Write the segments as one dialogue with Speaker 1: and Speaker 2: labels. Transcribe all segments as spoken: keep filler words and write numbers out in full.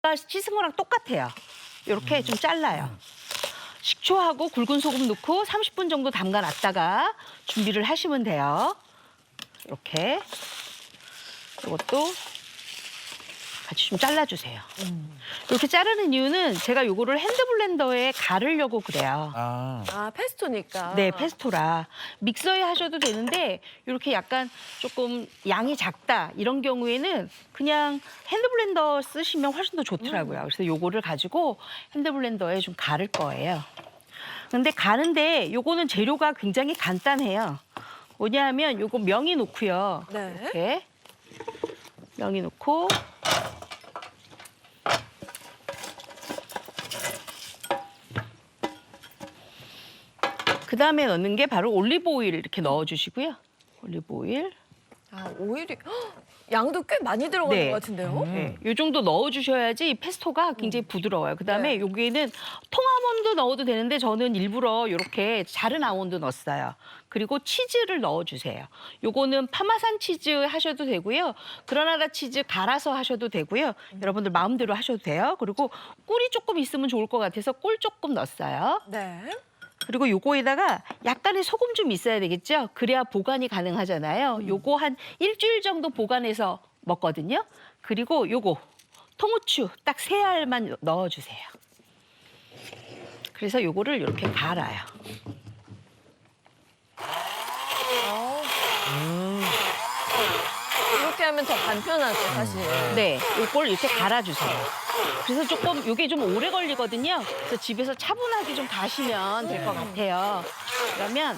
Speaker 1: 씻은 거랑 똑같아요. 이렇게 좀 잘라요. 식초하고 굵은 소금 넣고 삼십 분 정도 담가놨다가 준비를 하시면 돼요. 이렇게. 이것도 같이 좀 잘라주세요. 음. 이렇게 자르는 이유는 제가 요거를 핸드블렌더에 갈으려고 그래요.
Speaker 2: 아,
Speaker 3: 아, 페스토니까.
Speaker 1: 네, 페스토라. 믹서에 하셔도 되는데 이렇게 약간 조금 양이 작다 이런 경우에는 그냥 핸드블렌더 쓰시면 훨씬 더 좋더라고요.
Speaker 3: 음.
Speaker 1: 그래서 요거를 가지고 핸드블렌더에 좀 갈을 거예요. 근데 가는데 요거는 재료가 굉장히 간단해요. 뭐냐면 요거 명이 넣고요.
Speaker 3: 네.
Speaker 1: 이렇게 명이 넣고 그다음에 넣는 게 바로 올리브 오일 이렇게 넣어주시고요. 올리브 오일.
Speaker 3: 아, 오일이 헉, 양도 꽤 많이 들어가는
Speaker 1: 네.
Speaker 3: 것 같은데요?
Speaker 1: 네, 이 정도 넣어주셔야지 페스토가 굉장히 부드러워요. 그다음에
Speaker 3: 네.
Speaker 1: 여기에는 통아몬드 넣어도 되는데 저는 일부러 이렇게 자른 아몬드 넣었어요. 그리고 치즈를 넣어주세요. 요거는 파마산 치즈 하셔도 되고요. 그라나다 치즈 갈아서 하셔도 되고요. 여러분들 마음대로 하셔도 돼요. 그리고 꿀이 조금 있으면 좋을 것 같아서 꿀 조금 넣었어요.
Speaker 3: 네.
Speaker 1: 그리고 요거에다가 약간의 소금 좀 있어야 되겠죠? 그래야 보관이 가능하잖아요. 요거 한 일주일 정도 보관해서 먹거든요. 그리고 요거 통후추 딱 세 알만 넣어주세요. 그래서 요거를 이렇게 갈아요.
Speaker 3: 이렇게 하면 더 간편하죠, 사실.
Speaker 1: 네, 요걸 이렇게 갈아주세요. 그래서 조금 요게 좀 오래 걸리거든요. 그래서 집에서 차분하게 좀 가시면 될 것 같아요. 그러면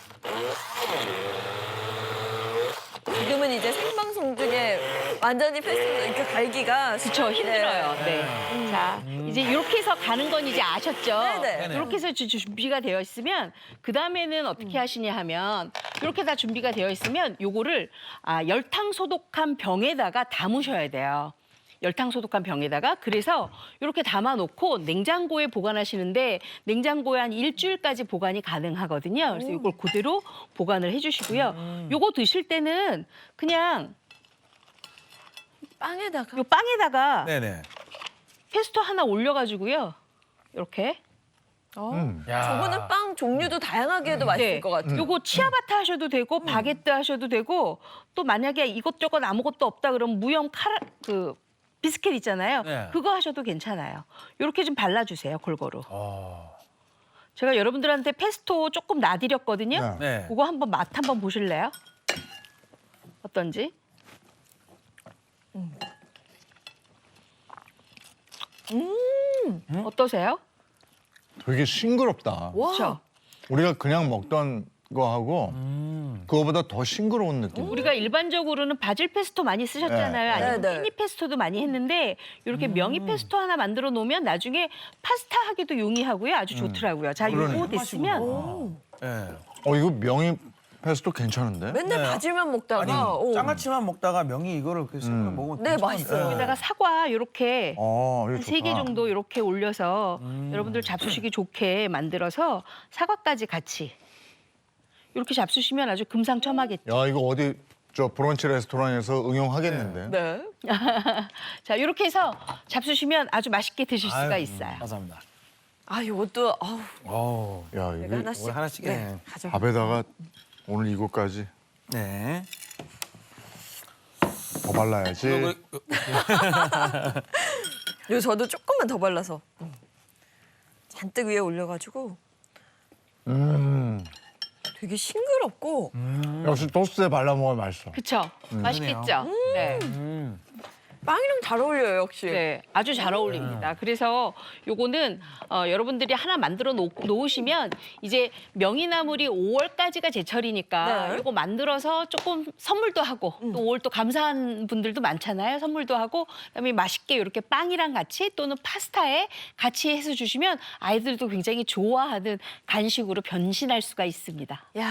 Speaker 3: 지금은 이제 생방송 중에 완전히 페스토 이렇게 갈기가
Speaker 1: 그쵸, 힘들어요. 네. 자, 이제 이렇게 해서 가는 건 이제 아셨죠?
Speaker 3: 네네.
Speaker 1: 이렇게 해서 주- 준비가 되어 있으면 그 다음에는 어떻게 하시냐 하면 이렇게 다 준비가 되어 있으면 요거를 아, 열탕 소독한 병에다가 담으셔야 돼요. 열탕 소독한 병에다가 그래서 이렇게 담아놓고 냉장고에 보관하시는데 냉장고에 한 일주일까지 보관이 가능하거든요. 그래서 이걸 그대로 보관을 해주시고요. 요거 드실 때는 그냥
Speaker 3: 빵에다가.
Speaker 1: 요 빵에다가
Speaker 2: 네네.
Speaker 1: 페스토 하나 올려가지고요. 이렇게.
Speaker 3: 어.
Speaker 2: 음. 야.
Speaker 3: 저거는 빵 종류도 다양하게 해도 맛있을 것 같아요.
Speaker 1: 요거 치아바타 하셔도 되고 바게트 하셔도 되고 또 만약에 이것저것 아무것도 없다 그러면 무염 카라 그 비스켓 있잖아요.
Speaker 2: 네.
Speaker 1: 그거 하셔도 괜찮아요. 요렇게 좀 발라주세요, 골고루.
Speaker 2: 어.
Speaker 1: 제가 여러분들한테 페스토 조금 놔드렸거든요.
Speaker 2: 네. 네.
Speaker 1: 그거 한번 맛 한번 보실래요? 어떤지? 음. 어떠세요?
Speaker 4: 되게 싱그럽다.
Speaker 3: 와.
Speaker 1: 그렇죠?
Speaker 4: 우리가 그냥 먹던 거하고
Speaker 2: 음.
Speaker 4: 그거보다 더 싱그러운 느낌.
Speaker 1: 우리가 일반적으로는 바질 페스토 많이 쓰셨잖아요.
Speaker 4: 네.
Speaker 1: 아니면
Speaker 3: 네, 네.
Speaker 1: 페니 페스토도 많이 했는데 이렇게 명이 페스토 하나 만들어 놓으면 나중에 파스타 하기도 용이하고요. 아주 좋더라고요. 자,
Speaker 4: 그러네요.
Speaker 1: 요거 됐으면
Speaker 3: 오.
Speaker 2: 네.
Speaker 4: 어 이거 명이 페스토 괜찮은데?
Speaker 3: 맨날
Speaker 2: 네.
Speaker 3: 바질만 먹다가.
Speaker 2: 아니
Speaker 3: 오.
Speaker 2: 장아찌만 먹다가 명이 이거를 그래서
Speaker 4: 음.
Speaker 2: 먹으면
Speaker 3: 네,
Speaker 2: 괜찮은데.
Speaker 3: 맛있어요.
Speaker 1: 여기다가 사과 이렇게
Speaker 4: 어 이거
Speaker 1: 한 세 개
Speaker 4: 좋다.
Speaker 1: 정도 이렇게 올려서
Speaker 2: 음.
Speaker 1: 여러분들 잡수시기 좋게 만들어서 사과까지 같이 이렇게 잡수시면 아주 금상첨화겠죠.
Speaker 4: 야 이거 어디 저 브런치 레스토랑에서 응용하겠는데?
Speaker 3: 네.
Speaker 1: 자, 이렇게 해서 잡수시면 아주 맛있게 드실 수가
Speaker 2: 아유,
Speaker 1: 있어요.
Speaker 2: 감사합니다.
Speaker 3: 아, 이것도 아우,
Speaker 2: 어.
Speaker 4: 야
Speaker 3: 내가
Speaker 4: 이거
Speaker 3: 하나씩.
Speaker 2: 오늘 하나씩
Speaker 3: 네,
Speaker 2: 해.
Speaker 3: 가져.
Speaker 4: 밥에다가 오늘 이거까지
Speaker 2: 네.
Speaker 4: 더 발라야지.
Speaker 2: 이거, 이거,
Speaker 3: 요 저도 조금만 더 발라서 잔뜩 위에 올려가지고
Speaker 4: 음
Speaker 3: 되게 싱그럽고
Speaker 4: 역시 토스트에 발라 먹으면 맛있어.
Speaker 1: 그쵸? 맛있겠죠? 네.
Speaker 2: 음.
Speaker 3: 빵이랑 잘 어울려요, 역시.
Speaker 1: 네, 아주 잘 어울립니다. 그래서 요거는 어, 여러분들이 하나 만들어 놓, 놓으시면 이제 명이나물이 오월까지가 제철이니까
Speaker 3: 네.
Speaker 1: 요거 만들어서 조금 선물도 하고 또 오월 또 감사한 분들도 많잖아요. 선물도 하고 그다음에 맛있게 이렇게 빵이랑 같이 또는 파스타에 같이 해서 주시면 아이들도 굉장히 좋아하는 간식으로 변신할 수가 있습니다.
Speaker 3: 야.